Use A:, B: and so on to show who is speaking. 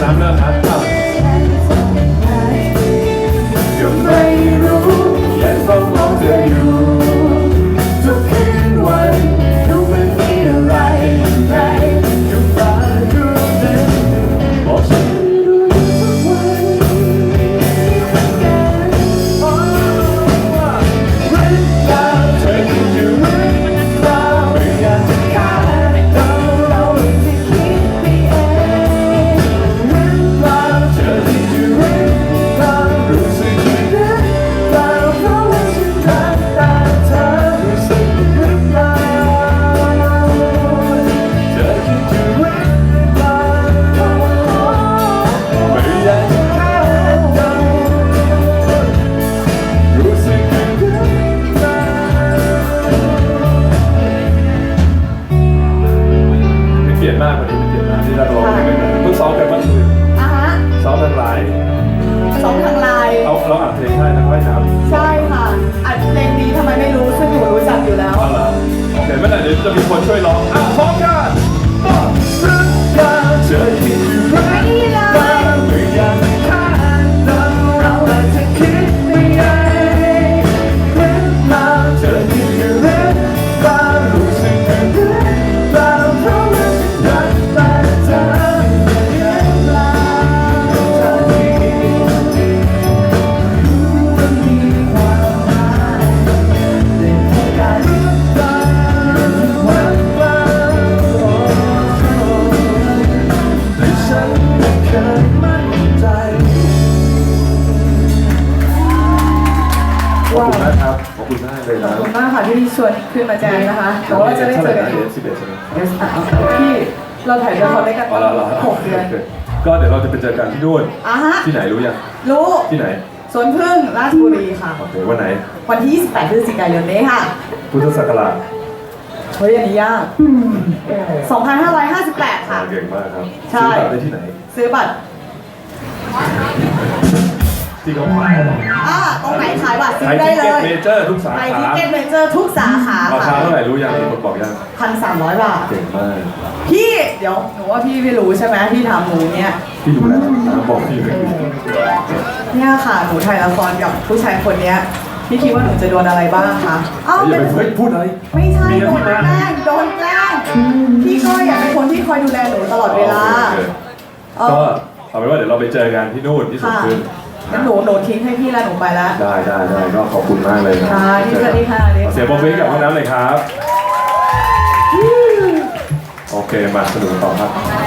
A: น้ำเริ่มนะยังไม่รู้และเฝ้ามองเธออยู่ทุกคืนวันรู้ไม่มีอะไรในกับตาดูเด่นบอกฉันรู้ทุกวันเป็นการเรื่องราวเธอคิดอยู่เรื่องราวไม่อยากจะขาดเราที่คิดไปเองเรื่องราวเธอคิดอยู่เรื่องราวรู้สึกเรื่องราวเพราะว่าฉันรักแต่เธอรู้สึกหรือเปล่าเธอคิดอยู่เรื่องราวไม่อยากจะขาดเรารู้สึกเรื่องราวเป็นเกียรติมากวันนี้เป็นเกียรติมากที่ได้ร้องเพลงกันเพิ่งซ้อมกันเมื่อคืน
B: อ่ะฮะ
A: ซ้อมทางไลน์
B: สองทางไลน์
A: เราอัดเพลงให้นะว่ายน้ำ
B: ใช่ค่ะอัดเพลงนี้ทำไมไม่รู้ซึ่งหนูรู้จักอยู่แล้ว
A: เอาล่ะโอเคไม่เป็นไรเดี๋ยวจะมีคนช่วยร้องพร้อมกันบอกรักกันเธอคิดอยู่รักกันไม่อยากจะขาดเราอาจจะคิดไม่ได้เรื่องราวเธอคิดอยู่เรื่องราวรู้สึกอยู่เรื่องราวเพราะว่าฉันรักแต่เธอเรื่องราวเธอที่มันมีความหมายได้พบกันวันวานแต่ฉันไม่เคยมั่นใจขอบคุณนะครับขอบคุณมากเลย
B: ขอบ
A: นะ
B: คุณมากค่ะที่ชวนขึ้นมาแจมนะคะแต่ว่าจะได้เจอกันอีก
A: 11ใช่ไหม
B: พี่เราถ่ายละครด้วยกัน
A: อ๋อเหรอ
B: 6 เดือน
A: ก็เดี๋ยวเราจะไปเจอกันที่นู่น
B: อ่ะฮะ
A: ที่ไหนรู้ยัง
B: รู้
A: ที่ไหน
B: สวนพึ่งราชบุรีค่ะ
A: โอเควันไหน
B: วันที่ 28 พฤศจิกายนนี้ค่ะ
A: พุทธศักราช
B: เฮ้ยอันนี้ยาก2558 ค่ะ
A: เก่งมากครับ
B: ใช่
A: ซื้อบัตรได้ที่ไหน
B: ซื้อบัตร
A: ที่เขาขาย
B: ตรงไหนขายบัตรซื้
A: ไท
B: อยได้
A: ทิ
B: เล
A: เก็ต
B: ย
A: เมเจอร์ทุกสา
B: ไทย
A: ขา
B: ทิเก็ตเมเจอร์ทุกสาขา
A: ราคา
B: ค่ะ
A: เท่าไหร่รู้ยังมีคนบอกยัง
B: 1,300 บาท
A: เก่งมาก
B: พี่เดี๋ยวหนูว่าพี่ไม่รู้ใช่ไหมพี่ถามหนูเนี่ย
A: พี่ดูแล้วนะบอกพี่เลย
B: เนี่ยค่ะหนูถ่ายละครกับผู้ชายคนเนี้ยพี่คิดว่าหนูจะโดนอะไรบ้างคะเอ้า
A: อย่า
B: เป็น
A: ไปเฮ้ยพูดอะไร
B: ไม่ใช่
A: มี
B: โด
A: ที่
B: น
A: มา
B: แกล้งโดนแกล้งพี่ก็อยากเป็นคนที่คอยดูแลหนูตลอดเวลา
A: โอเคก็เอาเป็นว่าเดี๋ยวเราไปเจอกันที่นู่นที่สุด
B: ค่ะ
A: ขึ้น
B: งั้นหนูทิ้งให้พี่แล้วหนูไปแล้ว
A: ได้ก็ขอบคุณมากเลยนะ
B: ค่ะสวัสดีค่ะ
A: ขอเสียงปรบมือให้กับห้องน้ำเลยครับ โอเคมาสนุกต่อครับ